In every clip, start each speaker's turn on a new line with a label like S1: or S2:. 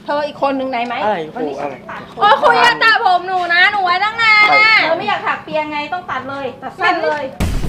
S1: ธออีกคนหนึ่งไหนไหม
S2: อะไร
S1: วันนี้
S2: อะไร
S1: โอ้คุยจะตัดผมหนูนะหนูไว้ตั้งนานนะเธอไม่อยากถักเปียงไงต้องตัดเลยตัดสั้นเลย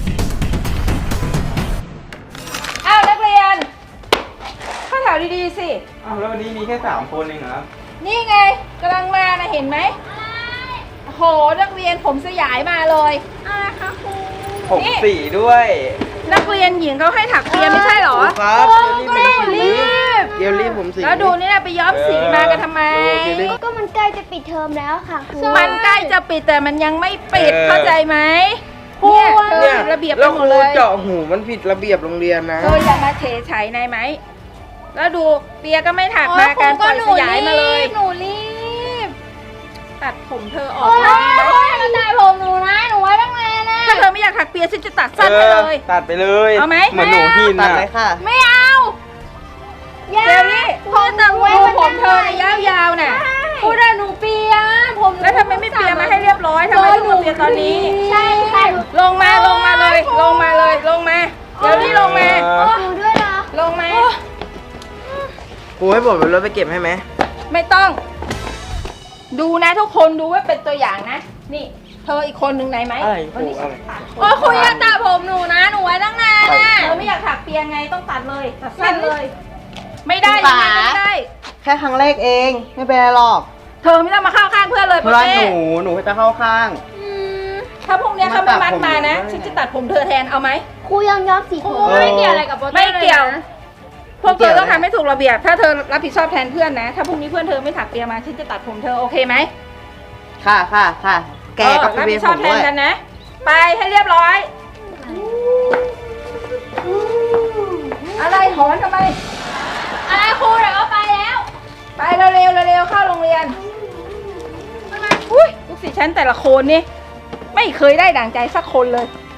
S1: อ้าวนักเรียนเข้าแถวดีๆสิ
S2: อ้าวแล้ววันนี้มีแค่3 คนเองเหรอครับ
S1: นี่ไงกำลังมานะเห็นไหมโหนักเรียนผมสยายมาเลยอะไรคะครู
S2: ผม
S1: นี่
S2: สีด้วย
S1: นักเรียนหญิงเขาให้ถักเปียไม่ใช่เหรอ
S2: ครับ
S1: ก็รีบ
S2: เกลลี่ผมสี
S1: แล้วดูนี่นะไปย้อมสีมากันทำไม
S3: ก็มันใกล้จะปิดเทอมแล้วค่ะครู
S1: มันใกล้จะปิดแต่มันยังไม่ปิดเข้าใจไหม
S3: ครู
S1: เนี่ยเธอผิดระเบียบไป
S2: แล้ว
S1: หม
S2: ครู
S1: ดเลย
S2: เจาะหูมันผิดระเบียบโรงเรียนนะ
S1: เธออย่ามาเฉยไฉนายไหมแล้วดูเปียก็ไม่ถักมาการปล่อยสยายมาเลย
S3: หนูรีบ
S1: ตัดผมเธอออก
S3: โอ้ย
S1: ได้ไหม
S3: กระต่ายผมหนูนะหนูไว้ตั้งนานนะ
S1: ถ้าเธอไม่อยากถักเปียฉันจะตัดสั้นไปเลย
S2: ตัดไปเลย
S1: เอาไหม
S2: เหมือนหนูหิน
S4: ตัด
S2: อ่ะ
S4: เลยค่ะ
S1: ไม่เอาเดี๋ยวนี้พูดแต่ผมเธอน่ะยาวๆน่ะ
S3: พูดได้หนูเปียผม
S1: แล้วทำไมไม่เปียมาให้เรียบร้อยทำไมต้องมาเปียตอนนี้
S3: ใช่ค่ะ
S1: ลงมาลงมาเลยลงมาเลยลงมาเดี๋ยวนี้ลงมา
S3: หนูด้วยนะ
S1: ลงมา
S4: ครูให้ผมเป็นรถไปเก็บให้ไหม
S1: ไม่ต้อง ดูนะทุกคนดูไว้เป็นตัวอย่างนะ นี่ เธออีกคนหนึ่งไหนไหม
S2: อะไรค
S1: วัน
S2: รู
S1: นี้
S2: อะไร
S1: โอ้คุยจะตัดผมหนูนะหนูไว้ตั้งนานนะเธอไม่อยากถักเปียงไงต้องตัดเลยตัดสั้นเลย ไม่ได้ยังไงก็ไม่ได้
S4: แค่ครั้งแรกเอง ไม่เป็นไรหรอก
S1: เธอไม่ต้องมาเข้าข้างเพื่อนเลย
S4: เพราะว่า
S1: เป้
S4: หนูจะเข้าข้าง
S1: ถ้าพรุ่งนี้เขาไม่มัดมานะ
S4: มาตัดผม
S1: ฉันจะตัดผมเธอแทนเอาไหม
S3: ครูยังย้อมสีผม
S1: ไม่เกี่ยวอะไรกับโปเต้ไม่เกี่ยว พวกเธอต้องทำให้ถูกระเบียบ ถ้าเธอรับผิดชอบแทนเพื่อนนะ ถ้าพรุ่งนี้เพื่อนเธอไม่ถักเปียมาฉันจะตัดผมเธอโอเคไหม
S4: ค่ะค่ะค่ะ แกก็
S1: รับ
S4: เปี
S1: ผิ
S4: ย
S1: ด
S4: ผ
S1: ชอบ
S4: ม
S1: แท
S4: ด้
S1: น
S4: วย
S1: กันนะ ไปให้เรียบร้อย อะไรหอนทำไม
S3: อะไรครูเดี๋ยวก็ไปแล้ว
S1: ไปเร็วๆเร็วๆเข้าโรงเรียนอุ้ยลูกศิษย์ฉันแต่ละคนนี่ไม่เคยได้ดั่งใจสักคนเลย